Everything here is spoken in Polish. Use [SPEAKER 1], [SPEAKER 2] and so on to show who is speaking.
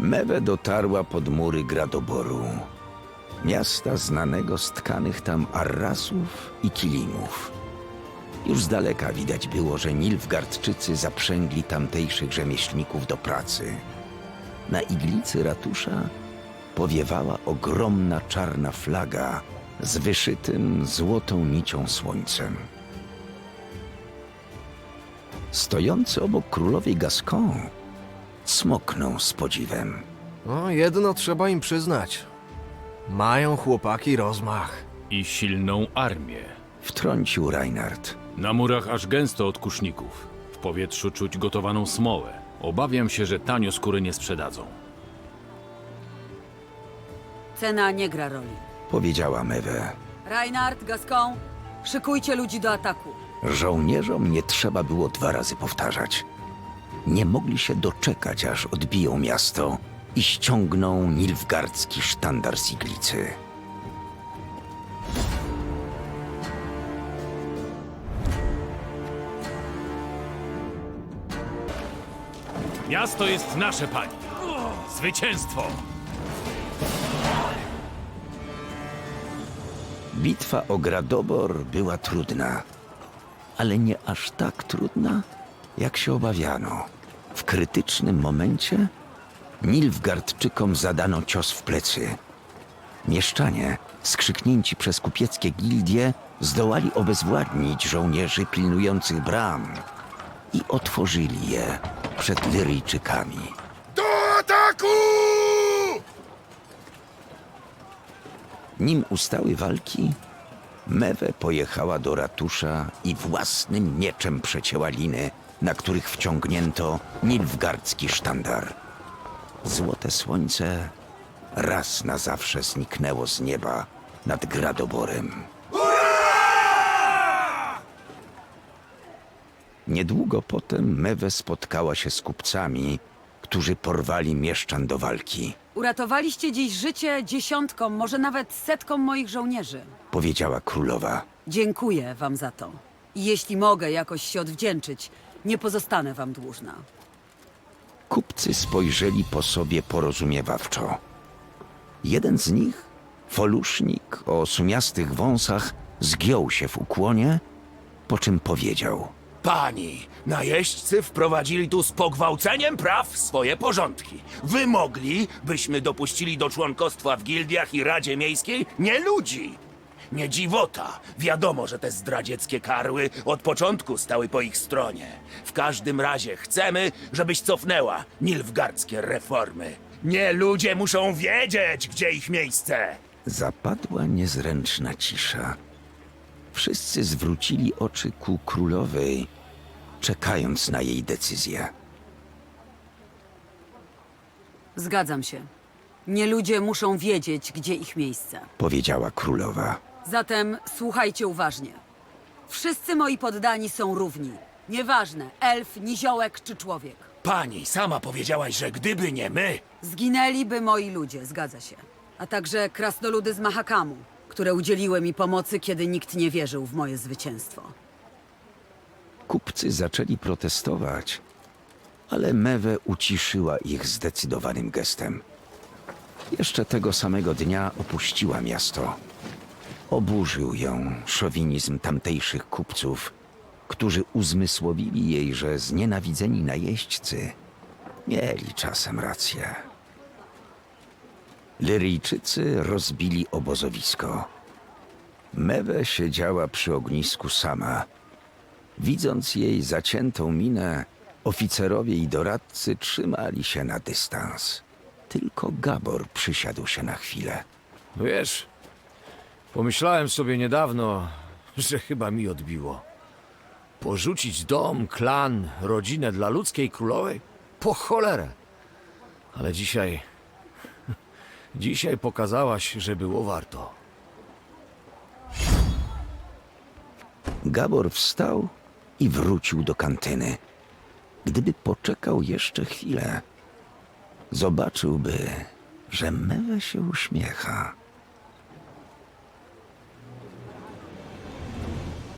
[SPEAKER 1] Mewe dotarła pod mury Gradoboru, miasta znanego z tkanych tam arrasów i kilimów. Już z daleka widać było, że Nilfgaardczycy zaprzęgli tamtejszych rzemieślników do pracy. Na iglicy ratusza powiewała ogromna czarna flaga z wyszytym złotą nicią słońcem. Stojący obok królowej Gascon smoknął z podziwem.
[SPEAKER 2] No, jedno trzeba im przyznać. Mają chłopaki rozmach.
[SPEAKER 3] I silną armię.
[SPEAKER 1] Wtrącił Reinhard.
[SPEAKER 3] Na murach aż gęsto od kuszników. W powietrzu czuć gotowaną smołę. Obawiam się, że tanio skóry nie sprzedadzą.
[SPEAKER 4] Cena nie gra roli.
[SPEAKER 1] Powiedziała Mewe.
[SPEAKER 4] Reinhard, Gascon, szykujcie ludzi do ataku.
[SPEAKER 1] Żołnierzom nie trzeba było 2 razy powtarzać. Nie mogli się doczekać, aż odbiją miasto i ściągną nilfgaardzki sztandar z iglicy.
[SPEAKER 3] Miasto jest nasze, pani. Zwycięstwo!
[SPEAKER 1] Bitwa o Gradobor była trudna, ale nie aż tak trudna, jak się obawiano. W krytycznym momencie Nilfgaardczykom zadano cios w plecy. Mieszczanie, skrzyknięci przez kupieckie gildie, zdołali obezwładnić żołnierzy pilnujących bram i otworzyli je przed Lyryjczykami.
[SPEAKER 5] Do ataku!
[SPEAKER 1] Nim ustały walki, Mewe pojechała do ratusza i własnym mieczem przecięła liny, na których wciągnięto nilfgaardzki sztandar. Złote słońce raz na zawsze zniknęło z nieba nad Gradoborem. Niedługo potem Mewe spotkała się z kupcami, którzy porwali mieszczan do walki.
[SPEAKER 4] Uratowaliście dziś życie dziesiątkom, może nawet setkom moich żołnierzy.
[SPEAKER 1] Powiedziała królowa.
[SPEAKER 4] Dziękuję wam za to. I jeśli mogę jakoś się odwdzięczyć, nie pozostanę wam dłużna.
[SPEAKER 1] Kupcy spojrzeli po sobie porozumiewawczo. Jeden z nich, folusznik o sumiastych wąsach, zgiął się w ukłonie, po czym powiedział:
[SPEAKER 5] Pani, najeźdźcy wprowadzili tu z pogwałceniem praw swoje porządki. Wymogli, byśmy dopuścili do członkostwa w gildiach i Radzie Miejskiej nie ludzi. Nie dziwota. Wiadomo, że te zdradzieckie karły od początku stały po ich stronie. W każdym razie chcemy, żebyś cofnęła nilfgaardzkie reformy. Nie ludzie muszą wiedzieć, gdzie ich miejsce.
[SPEAKER 1] Zapadła niezręczna cisza. Wszyscy zwrócili oczy ku królowej, czekając na jej decyzję.
[SPEAKER 4] Zgadzam się. Nie ludzie muszą wiedzieć, gdzie ich miejsce.
[SPEAKER 1] Powiedziała królowa.
[SPEAKER 4] Zatem słuchajcie uważnie. Wszyscy moi poddani są równi. Nieważne, elf, niziołek czy człowiek.
[SPEAKER 5] Pani, sama powiedziałaś, że gdyby nie my...
[SPEAKER 4] Zginęliby moi ludzie, zgadza się. A także krasnoludy z Mahakamu, które udzieliły mi pomocy, kiedy nikt nie wierzył w moje zwycięstwo.
[SPEAKER 1] Kupcy zaczęli protestować, ale Mewe uciszyła ich zdecydowanym gestem. Jeszcze tego samego dnia opuściła miasto. Oburzył ją szowinizm tamtejszych kupców, którzy uzmysłowili jej, że znienawidzeni najeźdźcy mieli czasem rację. Lyryjczycy rozbili obozowisko. Mewe siedziała przy ognisku sama. Widząc jej zaciętą minę, oficerowie i doradcy trzymali się na dystans. Tylko Gabor przysiadł się na chwilę.
[SPEAKER 2] Wiesz, pomyślałem sobie niedawno, że chyba mi odbiło. Porzucić dom, klan, rodzinę dla ludzkiej królowej? Po cholerę. Ale dzisiaj... Dzisiaj pokazałaś, że było warto.
[SPEAKER 1] Gabor wstał i wrócił do kantyny. Gdyby poczekał jeszcze chwilę, zobaczyłby, że Mewe się uśmiecha.